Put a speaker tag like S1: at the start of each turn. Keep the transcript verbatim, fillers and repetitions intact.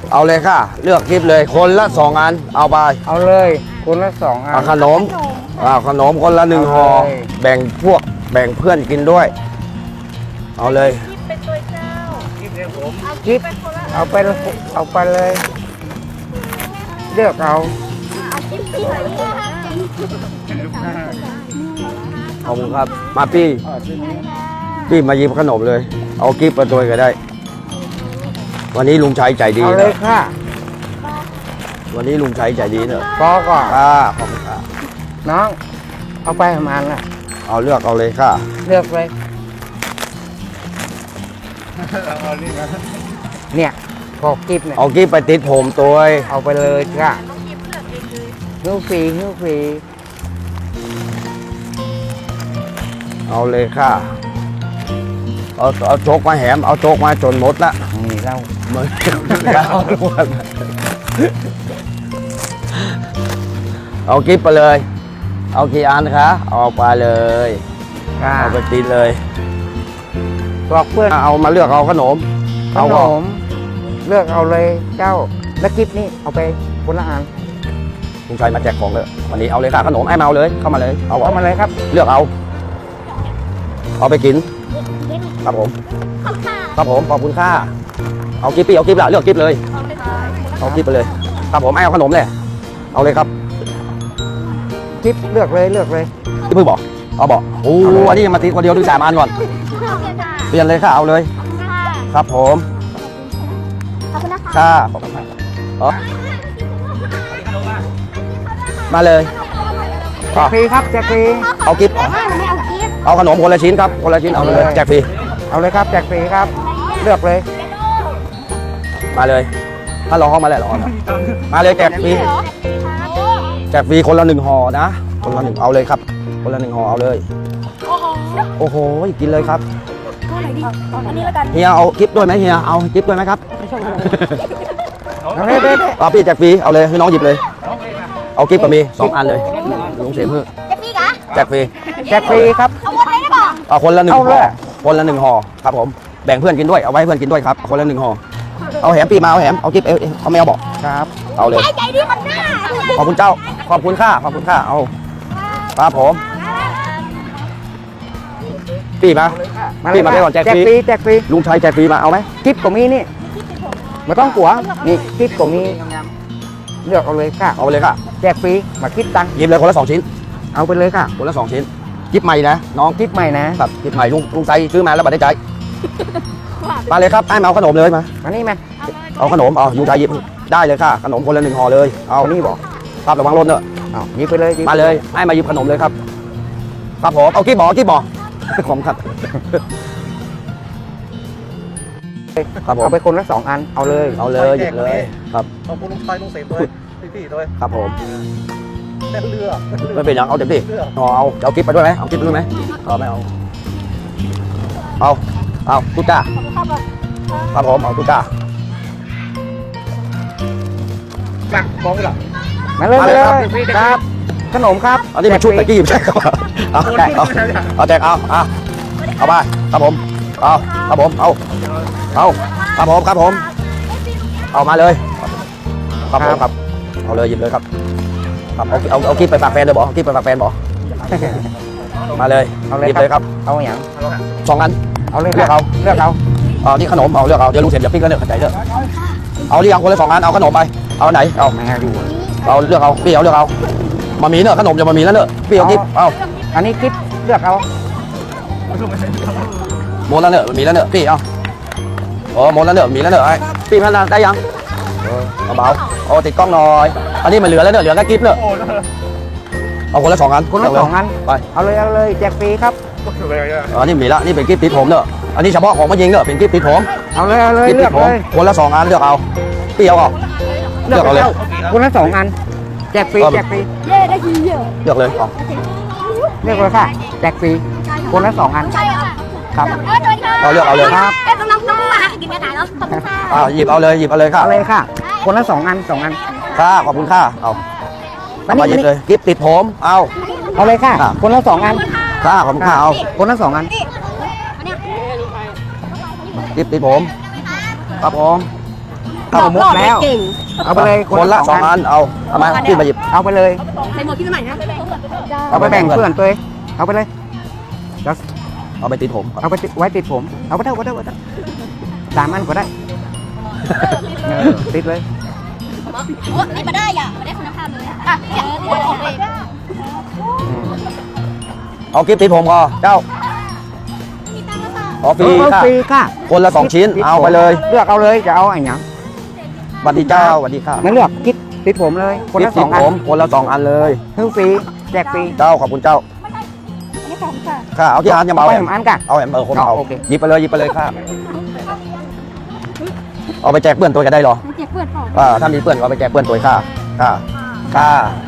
S1: เอาเลยค่ะเลือกกิฟเลยคนละสองอันเอาไป
S2: เอาเลยคนละสองอัน
S1: เอาขนมเอาขนมคนละหนึ่งห่อแบ่งพวกแบ่งเพื่อนกินด้วยเอาเลย
S3: เป็นตัวเจ้า
S2: กิฟเอาไปเอาไปเลยเลือกเอา
S1: ขอบคุณครับมาพี่พี่มาหยิบขนมเลยเอากิฟมาตัวก็ได้วันนี้ลุงชัยใจดี
S2: เอาเลยค่ะ
S1: วันนี้ลุงชัยใจดีเนอะ
S2: พอก่อน
S1: อ่าขอบคุณค่ะ
S2: น้องเอาไปประมาณน่ะ
S1: เอาเลือกเอาเลยค่ะ
S2: เลือกเลยเนี่ยพอกิฟเนี่ย
S1: เอากิฟไปติดผมตัว
S2: เอาไปเลยค่ะหิ้วฟรีหิ้วฟรี
S1: เอาเลยค่ะเอาเอาโจกมาแหมเอาโจกมาจนหมดละ
S2: นี่เรา
S1: เหมือนเอากิฟไปเลยเอากี่อันคะเอาไปเลยเอาไปติดเลย
S2: บอกเพื่อน
S1: เอามาเลือกเอาขนม
S2: ขนมเลือกเอาเลยเจ้าแล้วกิฟนี่เอาไปคนละอัน
S1: ลุงชัยมาแจกของเลยวันนี้เอาเลยค่ะขนมไอ้มาเอาเลยเข้ามาเลย
S2: เอาเข้ามาเลยครับ
S1: เลือกเอาเอาไปกินครับผมครับผมขอบคุณค่ะเอากิฟปี้เอากิฟละเลือกกิฟเลยเอากิฟไปเลยครับผมไอ้เอาขนมเลยเอาเลยครับ
S2: กิฟเลือกเลยเลือกเลย
S1: ที่เพิ่งบอกเอาบอกโอ้อันนี้มาติดคนเดียวดูสามอันก่อนเปลี่ยนเลยค่ะเอาเลยครับผมค่ะขอบคุณค่ะอ๋อมาเลย
S2: แจกฟรีครับแจกฟรี
S1: เอากิฟเอาขนมคนละชิ้นครับคนละชิ้นเอาเลยแจกฟรี
S2: เอาเลยครับแจกฟรีครับเลือกเลย
S1: มาเลยถ้าลองเข้ามาแล้วหรอมาเลยแจกฟรีแจกฟรีคนละหนึ่งห่อนะคนละหนึ่งเอาเลยครับคนละหนึ่งห่อเอาเลยโอ้โหกินเลยครับเฮียเอากิฟด้วยไหมเฮียเอากิฟด้วยไหมครับ
S2: เอาเลย
S1: เอาพี่แจกฟรีเอาเลยให้น้องหยิบเลยเอากิฟก็มีสองอันเลยลุงเสียเพื่อแจกฟรี
S2: แจกฟรีครับ
S1: เอาคนละหนึ่งห่อคนละหนึ่งห่อครับผมแบ่งเพื่อนกินด้วยเอาไว้เพื่อนกินด้วยครับคนละหนึ่งห่อเอาแหมปีมาเอาแหมเอากิฟเอเอาไม่เอาบอก
S2: ครับ
S1: เอาเลยขอบคุณเจ้าขอบคุณค่าขอบคุณค่าเอาครับผมปีมาปีมาได้ก่อนแจกฟรี
S2: แจกฟรี
S1: ลุงชัยแจกฟรีมาเอาไหม
S2: กิฟก็มีนี่ไม่ต้องกลัวนี่กิฟก็มีเลือกเอาเลยค่ะ
S1: เอาไปเลยค่ะ
S2: แจกฟรีมาคิดตังค์
S1: หยิบเลยคนละสองชิ้น
S2: เอาไปเลยค่ะ
S1: คนละสองชิ้นกิฟใหม่นะน้อง
S2: กิฟใหม่นะครับ
S1: กิฟใหม่ลุงลุงชัยซื้อมาแล้วบัตรได้ใจมาเลยครับไอ้มาเอาขนมเลยมา
S2: มานี่มา
S1: เอาขนมเอาลุงชัยหยิบได้เลยค่ะขนมคนละหนึ่งห่อเลยเอา
S2: นี่บอก
S1: ครับระวังรถเนอะ
S2: เอาหยิบไปเลย
S1: มาเลยไอ้มาหยิบขนมเลยครับครับผมเอากิฟบอกกิฟบอกผมครับครับผม
S2: เอาไปคนละสองอันเอาเลย
S1: เอาเลยหยิบเลยครับ
S4: ขอบคุณลุงชัยลุงเสพด้วยพี่ๆด้วย
S1: ครับผม
S4: เรือ
S1: ไม่เป็นอย่างเอาเต็มที่เอาเอาเอากิฟไปด้วยไหมเอากิฟไปด้วยไหมเอาไม่เอาเอาเอาตุ๊กตาครับผมเอาตุ๊กตา
S4: จักมองหลัง
S2: มาเลยมาเลยครับขนมครับ
S1: อันนี้เป็นชุดตะกี้ใช่ครับเอาแจกเอาเอาแจกเอาเอาเอาไปครับผมเอาครับผมเอาเอาครับผมครับผมเอามาเลยครับผมครับเอาเลยหยิบเลยครับครับเอาเอาเอากิ๊บไปฝากแฟนเลยบอกกิ๊บไปฝากแฟนบอกมาเลยหยิบเลยครับ
S2: เอาอย่าง
S1: สองอัน
S2: เอาเลย
S1: เลือกเอา
S2: เลือกเอา
S1: เอาที่ขนมเอาเลือกเอาเดี๋ยวลุงเสร็จเดี๋ยวพี่ก็เลือกขัดใจเลือกเอาที่ยังคนละสองอันเอาขนมไปเอาไหนเอา
S2: ไม่ดู
S1: เอาเลือกเอาพี่เอาเลือกเอามามีเนอะขนมจะมามีแล้วเนอะพี่เอากิ๊บเอา
S2: อันนี้กิ๊บเลือกเอา
S1: หมดแล้วเนอะมีแล้วเนอะพี่เอาโอ้หมดแล้วเนอะมีแล้วเนอะไอ้พี่พันได้ยังเอาเบาโอ้ติดกล้องหน่อยอันนี้มันเหลือแล้วเนอะเหลือแค่กิ๊บเนอะเอาคนละสองอัน
S2: คนละสองอัน
S1: ไป
S2: เอาเลยเอาเลยแจกฟรีครับ
S1: อันนี้มีละนี่เป็นกิ๊บติดผมเนอะอันนี้เฉพาะของมายิงเนอะเป็นกิ๊บติดผม
S2: เอาเลยเอาเลยเลือกเลย
S1: คนละสองอันเลือกเอาพี่เอาเอาเลือกเอาเลย
S2: คนละสองอันแจกฟรีแจกฟรี
S3: เย่ได้ทีเยอะ
S1: เลือกเลยเอา
S2: เลือกเลยค่ะแจกฟรีคนละสองอันครับ
S1: เอาเลือกเอาเลย
S3: ครับเอ๊ะน้องน้องมากินกระต่ายแล้วขอบคุณค่ะ
S1: อ่าหยิบเอาเลยหยิบเอาเลยค่ะ
S2: เอาเลยค่ะคนละสองอันสองอัน
S1: ค่ะขอบคุณค่ะเอามาหยิบเลยกิ๊บติดผมเอา
S2: เอาเลยค่ะคนละสองอัน
S1: ค่ะขอบคุณค่ะเอา
S2: คนละสองอัน
S1: กิ๊บติดผมครับผม
S2: ข้าวหมดแล้ว
S3: เก่ง
S2: เอาไปเลย
S1: คนละสองอันเอาเอามาขึ้นมาหยิบ
S2: เอาไปเลย
S3: ใส่หมวกที่ใหม่นะ
S2: เอาไปแบ่งเพื่อนตัวเองเอาไปเลยแล้ว
S1: เอาไปติดผม
S2: เอาไปติดไว้ติดผม เอาไปเถอะเอาไปเถอะเอาไปเถอะสามอันก็ได้เออติดเลย
S3: โอ้ยมาได้อ่ะมาได้คุณภาพเลยอ่ะเนี่ยออกเลย
S2: อืม
S1: เอากิฟติดผมก็เจ้า
S3: มีตังค์แล้วค่ะ
S1: ขอฟรี
S2: เออ
S1: ค่ะ
S2: ฟรีค่ะ
S1: คนละสองชิ้น
S2: ติดผม
S1: เอาไปเลย
S2: เลือกเอาเลยจะเอาไอ้หยัง
S1: สวัสดีเจ้าสวัสดีค่ะ
S2: ไม่เลือกคิดติดผมเลย คน
S1: กิฟ
S2: ละส
S1: ติ
S2: อ
S1: ด
S2: งอั
S1: ผ
S2: น
S1: มคนละสองอันเลย
S2: ซื้อฟรีแจกฟรี
S1: เจ้าขอบคุณเจ้า
S3: อันนี้สองค่ะ
S1: ค่ะเอาที่อันจะมา
S2: เอา
S1: เอา
S2: ไป
S1: แอ
S2: ห
S1: ม
S2: นึ่งอันกัน
S1: เอาแอมเออคนเอา
S2: โอเค
S1: หยิบไปเลยหยิบไปเลยค่ะเอาไปแจกเพื่อนตัวจะได้เหรอ
S3: เจ็บเพื่อนพ่อ
S1: อ่าถ้ามีเพื่อนก็เอาไปแจกเพื่อนตัวค่ะค่ะค่ะ